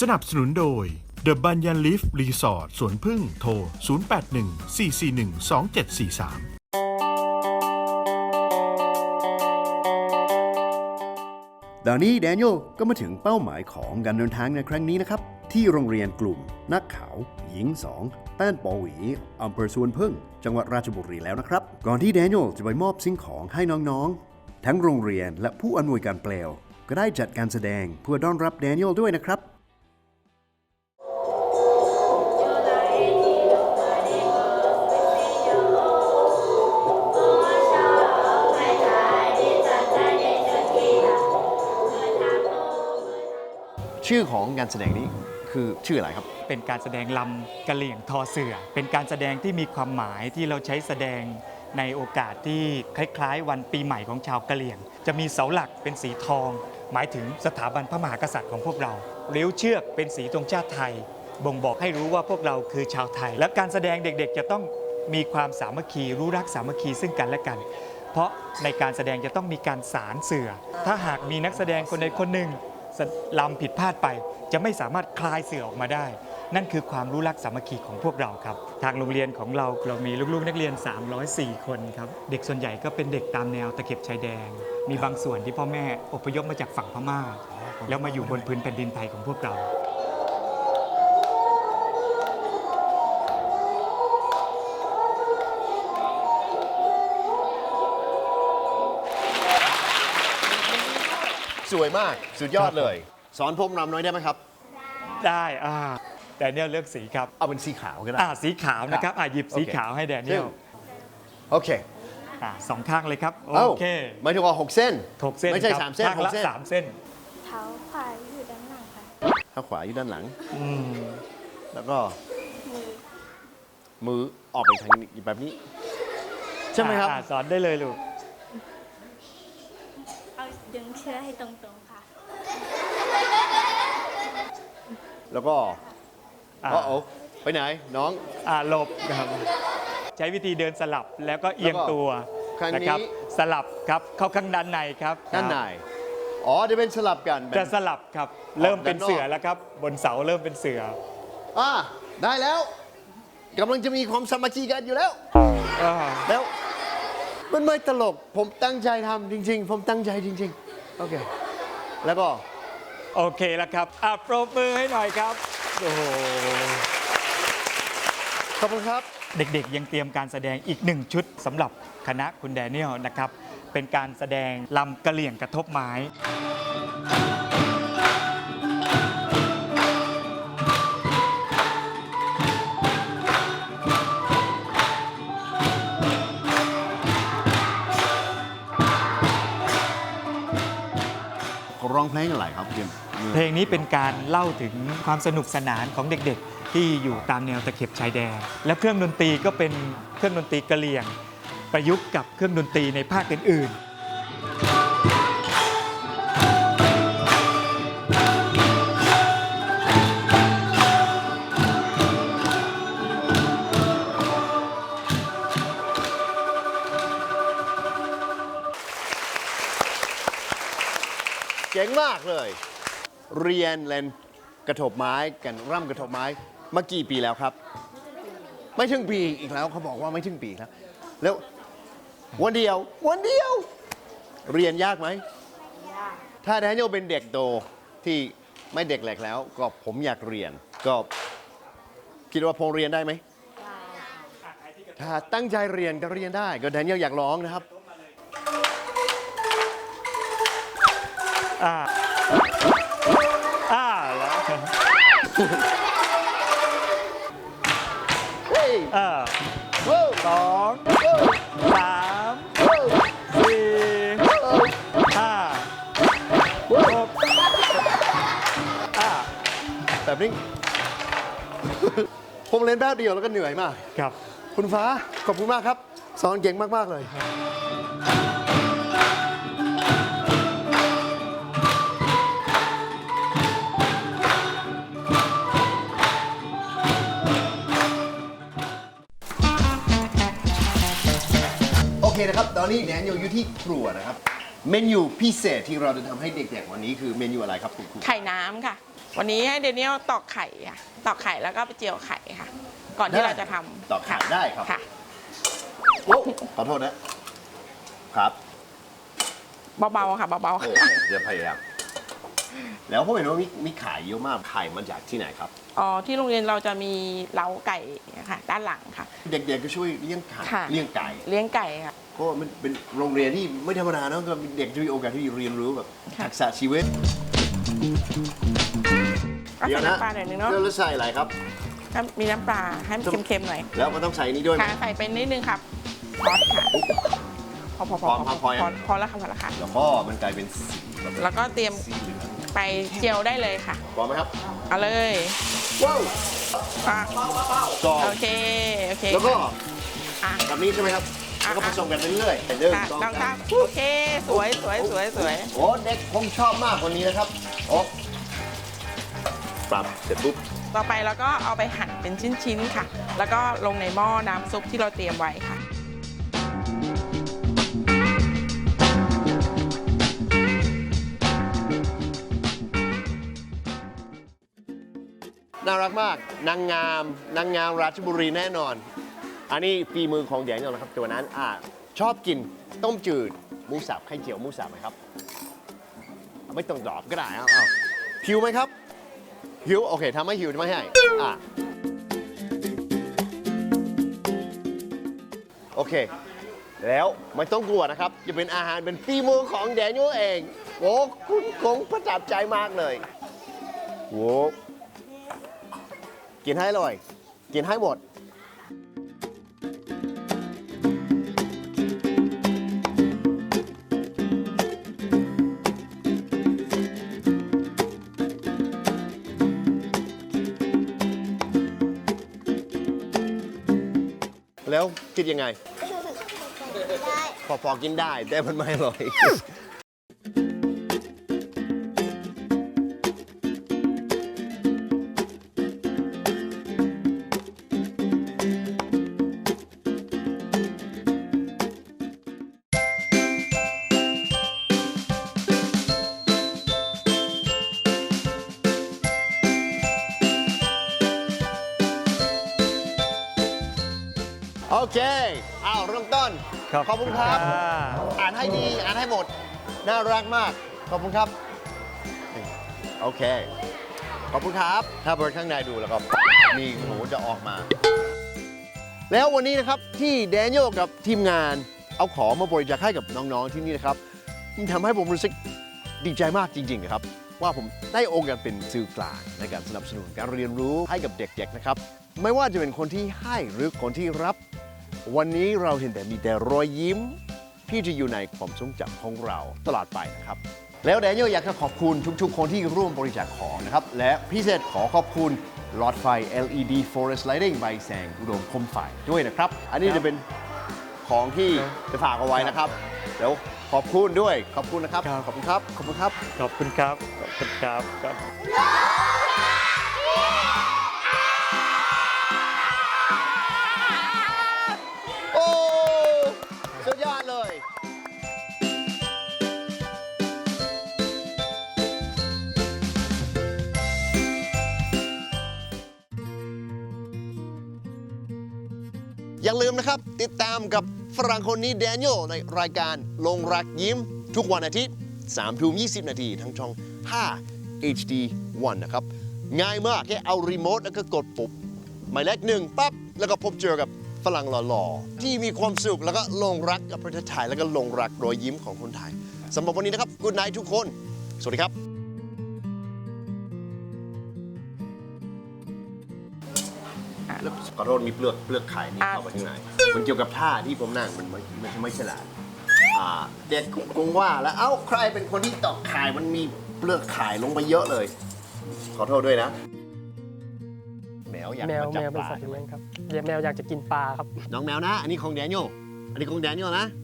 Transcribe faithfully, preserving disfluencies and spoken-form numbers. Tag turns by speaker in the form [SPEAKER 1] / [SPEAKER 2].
[SPEAKER 1] สนับสนุนโดย The Banyan Leaf Resort สวนพึ่งโทร ศูนย์ แปด หนึ่ง สี่ สี่ หนึ่ง สอง เจ็ด สี่ สาม
[SPEAKER 2] ตอนนี้แดเนียลก็มาถึงเป้าหมายของการเดินทางในครั้งนี้นะครับที่โรงเรียนกลุ่มนักข่าวหญิงสองต้านปอหวีอำเภอสวนพึ่งจังหวัดราชบุรีแล้วนะครับก่อนที่แดเนียลจะไปมอบสิ่งของให้น้องๆทั้งโรงเรียนและผู้อำนวยการเปลวก็ได้จัดการแสดงเพื่อต้อนรับแดเนียลด้วยนะครับชื่อของการแสดงนี้คือชื่ออะไรครับ
[SPEAKER 3] เป็นการแสดงลำกะเหลี่ยงทอเสือเป็นการแสดงที่มีความหมายที่เราใช้แสดงในโอกาสที่คล้ายๆวันปีใหม่ของชาวกะเหลี่ยงจะมีเสาหลักเป็นสีทองหมายถึงสถาบันพระมหากษัตริย์ของพวกเราเลี้ยวเชือกเป็นสีธงชาติไทยบ่งบอกให้รู้ว่าพวกเราคือชาวไทยและการแสดงเด็กๆจะต้องมีความสามัคคีรู้รักสามัคคีซึ่งกันและกันเพราะในการแสดงจะต้องมีการสารเสือถ้าหากมีนักแสดงคนใดคนหนึ่งลำผิดพลาดไปจะไม่สามารถคลายเสือออกมาได้นั่นคือความรู้รักสามัคคีของพวกเราครับทางโรงเรียนของเราเรามีลูกๆนักเรียนสามร้อยสี่คนครับเด็กส่วนใหญ่ก็เป็นเด็กตามแนวตะเข็บชายแดนมีบางส่วนที่พ่อแม่อพยพมาจากฝั่งพม่าแล้วมาอยู่บนพื้นแผ่นดินไทยของพวกเรา
[SPEAKER 2] สวยมากสุดยอดเลยสอนผมรำน้อยได้ไหมครับ
[SPEAKER 3] ได้อ่าแดเนียลเลือกสีครับ
[SPEAKER 2] เอาเป็นสีขาวก็ได้
[SPEAKER 3] อ่าสีขาวนะครับอ่าหยิบสีขาวให้แดเนียล
[SPEAKER 2] โอเค
[SPEAKER 3] อ่าสองข้างเลยครับโอเค
[SPEAKER 2] หมายถึงว่าหกเส้น
[SPEAKER 3] หกเส้น
[SPEAKER 2] ไม่ใช่สามเส้น
[SPEAKER 3] ข้างละสามเส้น
[SPEAKER 4] เท้าขวาอยู่ด้านหลังค่ะ
[SPEAKER 2] เท้าขวาอยู่ด้านหลัง
[SPEAKER 3] อืม
[SPEAKER 2] แล้วก็
[SPEAKER 4] มือ
[SPEAKER 2] มือออกไปทางนี้แบบนี้ใช่ไหมครับ
[SPEAKER 3] สอนได้เลยลูก
[SPEAKER 4] เอาดึงเชือกให้ตรงๆค่ะ
[SPEAKER 2] แล้วก็อ๋อไปไหนน้อง
[SPEAKER 3] อ่าหลบครับใช้วิธีเดินสลับแล้วก็เอียงตัวนะครับสลับครับเข้าข้างด้านในครับ
[SPEAKER 2] ด้านในอ๋อจะเป็นสลับกัน
[SPEAKER 3] จะสลับครับเริ่มเป็นเสือแล้วครับบนเสาเริ่มเป็นเสือ
[SPEAKER 2] อ่าได้แล้วกำลังจะมีความสามัคคีกันอยู่แล้วแล้วมันไม่ตลกผมตั้งใจทำจริงๆผมตั้งใจจริงๆโอเคแล้วก็
[SPEAKER 3] โอเคแล้วครับอ่ะปรบมือให้หน่อยครับโอ้โห
[SPEAKER 2] ขอบคุณครับ
[SPEAKER 3] เด็กๆยังเตรียมการแสดงอีกหนึ่งชุดสำหรับคณะคุณแดเนียลนะครับเป็นการแสดงลำกะเหลี่ยงกระทบไม้
[SPEAKER 2] ร้องเพลงอะไรครับ
[SPEAKER 3] เพลงนี้เป็นการเล่าถึงความสนุกสนานของเด็กๆที่อยู่ตามแนวตะเข็บชายแดนและเครื่องดนตรีก็เป็นเครื่องดนตรีกะเหรี่ยงประยุกต์กับเครื่องดนตรีในภาคอื่น
[SPEAKER 2] เจ๋งมากเลยเรียนเล่นกระทบไม้กันร่ำกระทบไม้มากี่ปีแล้วครับไม่ถึงปีอีกแล้วเขาบอกว่าไม่ถึงปีแล้วแล้ววันเดียววันเดียวเรียนยากไหมถ้าแดเนียลเป็นเด็กโตที่ไม่เด็กแหลกแล้วก็ผมอยากเรียนก็คิดว่าผมเรียนได้ไหมถ้าตั้งใจเรียนก็เรียนได้ก็แดเนียลอยากร้องนะครับ
[SPEAKER 3] อ่าอ่าแล้วอ่าสองสามสี่ห้าหกอ่า
[SPEAKER 2] แบบนี้ผมเล่นแป๊บเดียวแล้วก็เหนื่อยมาก
[SPEAKER 3] ครับ
[SPEAKER 2] คุณฟ้าขอบคุณมากครับสอนเก่งมากๆเลยโอเคนะครับตอนนี้แดเนียลอยู่ที่ครัวนะครับเมนูพิเศษที่เราจะทำให้เด็กๆวันนี้คือเมนูอะไรครับคุณครู
[SPEAKER 5] ไข่น้ำค่ะวันนี้ให้เดนิเอลตอกไข่ค่ะตอกไข่แล้วก็ไปเจียวไข่ค่ะ ก่อนที่
[SPEAKER 2] ได้
[SPEAKER 5] เราจะทำ
[SPEAKER 2] ตอกไข่ได้ครับ
[SPEAKER 5] ค่ะ
[SPEAKER 2] โอ้ขอโทษนะ ครับ
[SPEAKER 5] เบาๆค่ะเบา
[SPEAKER 2] โอเคจะพยายามแล้วผมเห็นว่ามีมีขายเยอะมากไข่มาจากที่ไหนครับ
[SPEAKER 5] ๆอ๋อที่โรงเรียนเราจะมีเล้าไก่ค่ะด้านหลังค่ะ
[SPEAKER 2] เด็กๆก็ช่วยเลี้ยงไข่
[SPEAKER 5] ค่ะ
[SPEAKER 2] เลี้ยงไก่
[SPEAKER 5] เลี้ยงไก่ค่ะ
[SPEAKER 2] เพราะว่ามันเป็นโรงเรียนที่ไม่ธรรมดานะก็เด็กจะมีโอกาสที่เรียนรู้แบบ
[SPEAKER 5] ค่ะ
[SPEAKER 2] ทักษะชีวิต
[SPEAKER 5] ก็ใส่น้ำปลาหน่อยนึงเนาะ
[SPEAKER 2] แล้วใส่อะไรครับ
[SPEAKER 5] ถ้ามีน้ำปลาให้มันเค็มๆหน่อย
[SPEAKER 2] แล้วก็ต้องใส่นี่ด้วยไหม
[SPEAKER 5] ค่ะใส่ไปนิดนึงครับซอสค่ะพอพอพอ
[SPEAKER 2] พอครับพอยัง
[SPEAKER 5] พอพอแล้วค่ะพอแล้วค่ะ
[SPEAKER 2] แล้วก็มันกลายเป็นสีแบบ
[SPEAKER 5] แล้วก็เตรียม
[SPEAKER 2] สีเหลือง
[SPEAKER 5] ไปเจียวได้เลยค่ะ
[SPEAKER 2] พอไหมครับ
[SPEAKER 5] เอาเลย
[SPEAKER 2] ว้าว
[SPEAKER 5] อ่ะ
[SPEAKER 2] จอ
[SPEAKER 5] โอเคโอเค
[SPEAKER 2] แล้วก็
[SPEAKER 5] อ่ะ
[SPEAKER 2] แบบนี้ใช่ไหมครับ
[SPEAKER 5] อ่ะ
[SPEAKER 2] แล้วก็ผสมกันไปเรื่อยๆเรื่อย
[SPEAKER 5] ค่ะ
[SPEAKER 2] ๆ
[SPEAKER 5] ลองครับโอเคสวยสวยสวยสวย
[SPEAKER 2] โอ้เด็กผมชอบมากคนนี้นะครับโอ้ปรับเสร็จปุ๊บ
[SPEAKER 5] ต่อไปเราก็เอาไปหั่นเป็นชิ้นๆค่ะ แล้วก็ลงในหม้อน้ำซุปที่เราเตรียมไว้ค่ะ
[SPEAKER 2] น่ารักมาก นางงาม นางงามราชบุรีแน่นอน อันนี้ฝีมือของแดเนียลนะครับตัวนั้นอ่าชอบกินต้มจืดหมูสับไข่เจียวหมูสับไหมครับ ไม่ต้องตอบก็ได้เอาเอาหิวไหมครับ หิว โอเคทำไม่หิวไม่ให้อ่ะโอเค แล้วไม่ต้องกลัวนะครับ จะเป็นอาหารเป็นฝีมือของแดเนียลเอง โอ้คุณคงประทับใจมากเลยโว้กินให้เลยกินให้หมด แล้วคิดยังไง พอพอกินได้ แต่มันไม่อร่อย โอเค เอาเริ่มต้น ขอบคุณครับ อ่านให้ดี อ่านให้หมด น่ารักมาก ขอบคุณครับ โอเค ขอบคุณครับ ถ้าเปิดข้างในดูแล้วก็มีหนูจะออกมา แล้ววันนี้นะครับที่แดเนียลกับทีมงานเอาของมาบริจาคให้กับน้องๆที่นี่นะครับมันทำให้ผมรู้สึกดีใจมากจริงๆนะครับ ว่าผมได้โอกาสเป็นสื่อกลางในการสนับสนุนการเรียนรู้ให้กับเด็กๆนะครับ ไม่ว่าจะเป็นคนที่ให้หรือคนที่รับ วันนี้เราเห็นแต่มีแต่รอยยิ้มที่จะอยู่ในความทรงจำของเราตลอดไปนะครับ แล้วแดเนียลอยากจะขอบคุณทุกๆ คนที่ร่วมบริจาคของนะครับ และพิเศษขอขอบคุณหลอดไฟ แอล อี ดี Forest Lighting ใบแสงอุดมคมไฟด้วยนะครับ อันนี้จะเป็นของที่จะฝากเอาไว้นะครับ แล้วขอบคุณด้วย ขอบคุณนะครับ ขอบคุณครับ ขอบคุณครับ
[SPEAKER 3] ขอบคุณครับ ขอบคุณครับครับ
[SPEAKER 2] โอ้สุดยอดเลย อย่าลืมนะครับ ติดตามกับฝรั่งคนนี้แดเนียลในรายการลงรักยิ้ม ทุกวันอาทิตย์สามทุ่มยี่สิบนาทีทั้งช่อง ห้า เอช ดี วัน นะครับ ง่ายมากแค่เอารีโมทแล้วก็กดปุ่มหมายเลขหนึ่งปั๊บ แล้วก็พบเจอกับฝรั่งหล่อๆ ที่มีความสุขแล้วก็ลงรักกับประเทศไทย แล้วก็ลงรักรอยยิ้มของคนไทยสำหรับวันนี้นะครับกูดไนท์ทุกคน สวัสดีครับ แล้วขอโทษมีเปลือกเปลือกไข่นี่
[SPEAKER 5] อ่ะ
[SPEAKER 2] เข้าไปข้างในมันเกี่ยวกับท่าที่ผมนั่งมันไม่ไม่ไม่ฉลาดอ่าเด็กคงว่าแล้วเอ้าใครเป็นคนที่ตอกไข่มันมีเปลือกไข่ลงไปเยอะเลย ขอโทษด้วยนะ แมวอยาก
[SPEAKER 6] แมว
[SPEAKER 2] มาจั
[SPEAKER 6] แม
[SPEAKER 2] บ
[SPEAKER 6] ว
[SPEAKER 2] ป
[SPEAKER 6] เป็น
[SPEAKER 2] ลา
[SPEAKER 6] สัตว์เลี้ยงครับแมวอยากจะกินปลาครับ
[SPEAKER 2] น้องแมวนะ อันนี้ของแดเนียลอันนี้ของแดเนียลนะ